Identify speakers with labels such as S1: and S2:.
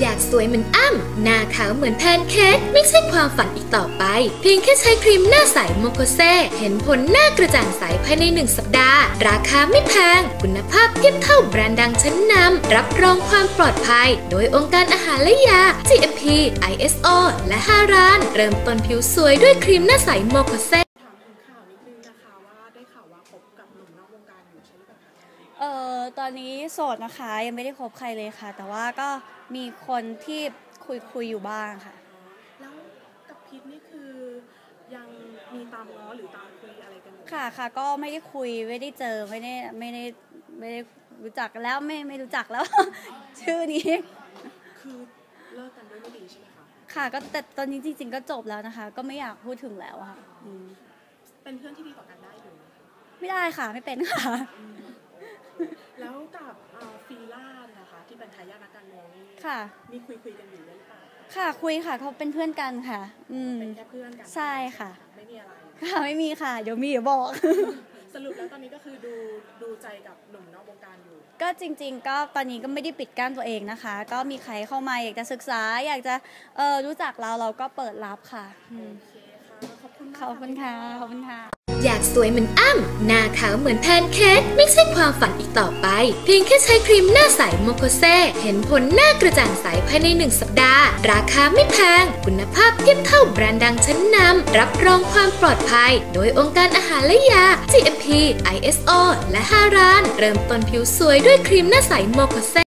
S1: อยากสวยเหมือนอ้ำหน้าขาวเหมือนแพนเค้กไม่ใช่ความฝันอีกต่อไปเพียงแค่ใช้ครีมหน้าใสโมโคเซเห็นผลหน้ากระจ่างใสภายใน1 สัปดาห์ราคาไม่แพงคุณภาพเทียบเท่าแบรนด์ดังชั้นนำรับรองความปลอดภัยโดยองค์การอาหารและยา GMP ISO และ5 ร้านเริ่มต้นผิวสวยด้วยครีมหน้าใสโมโคเซ
S2: ถามถึงข่าวนิดนึงนะคะว่าได้ข่าวว่าคบกับหนุ่มนอกวงการอยู่ใช่หรือเปล่าคะ
S3: ตอนนี้โสดนะคะยังไม่ได้คบใครเลยค่ะแต่ว่าก็มีคนที่คุยอยู่บ้างค่ะ
S2: แล้วกับพีทนี่คือยังมีตามง้อหรือตามคุยอะไรกันอยู่
S3: ค่ะก็ไม่ได้คุยไม่ได้เจอไม่ได้รู้จักแล้วไม่รู้จักแล้ว ชื่อนี้
S2: คือเลิกกันด้วยไม่ดีใช่ไหมคะ
S3: ค่ะก็แต่ตอนนี้จริงๆก็จบแล้วนะคะก็ไม่อยากพูดถึงแล้วค่ะ
S2: เป็นเพื่อนที่ดีต่อกันได้อยู่
S3: ไม่ได้ค่ะไม่เป็นค่ะ
S2: แล้วกับฟีล่านะคะที่เป็นทายาทนักการเมืองนี่
S3: ค่ะ
S2: มีคุยกันอยู่หรือเปล่า
S3: ค่ะคุยค่ะเขาเป็นเพื่อนกันค่ะ
S2: เป็นแค่เพื่อนกัน
S3: ใช่ค่ะ
S2: ไม่มีอะไร
S3: ค่ะไม่มีค่ะเดี๋ยวบอก
S2: สรุปแล้วตอนนี้ก็คือดูใจกับหนุ่มนอกวงการอยู่
S3: ก็จริงๆก็ตอนนี้ก็ไม่ได้ปิดกั้นตัวเองนะคะก็มีใครเข้ามาอยากจะศึกษาอยากจะรู้จักเราก็เปิดรับค่ะ
S2: ขอบคุณ
S3: ค่ะขอบคุณค่ะ
S1: อยากสวยเหมือนอ้ำหน้าขาวเหมือนแพนเค้กไม่ใช่ความฝันอีกต่อไปเพียงแค่ใช้ครีมหน้าใสโมโคเซเห็นผลหน้ากระจ่างใสภายใน1 สัปดาห์ราคาไม่แพงคุณภาพเทียบเท่าแบรนด์ดังชั้นนำรับรองความปลอดภัยโดยองค์การอาหารและยา GMP ISO และ5 ร้านเริ่มต้นผิวสวยด้วยครีมหน้าใสโมโคเซ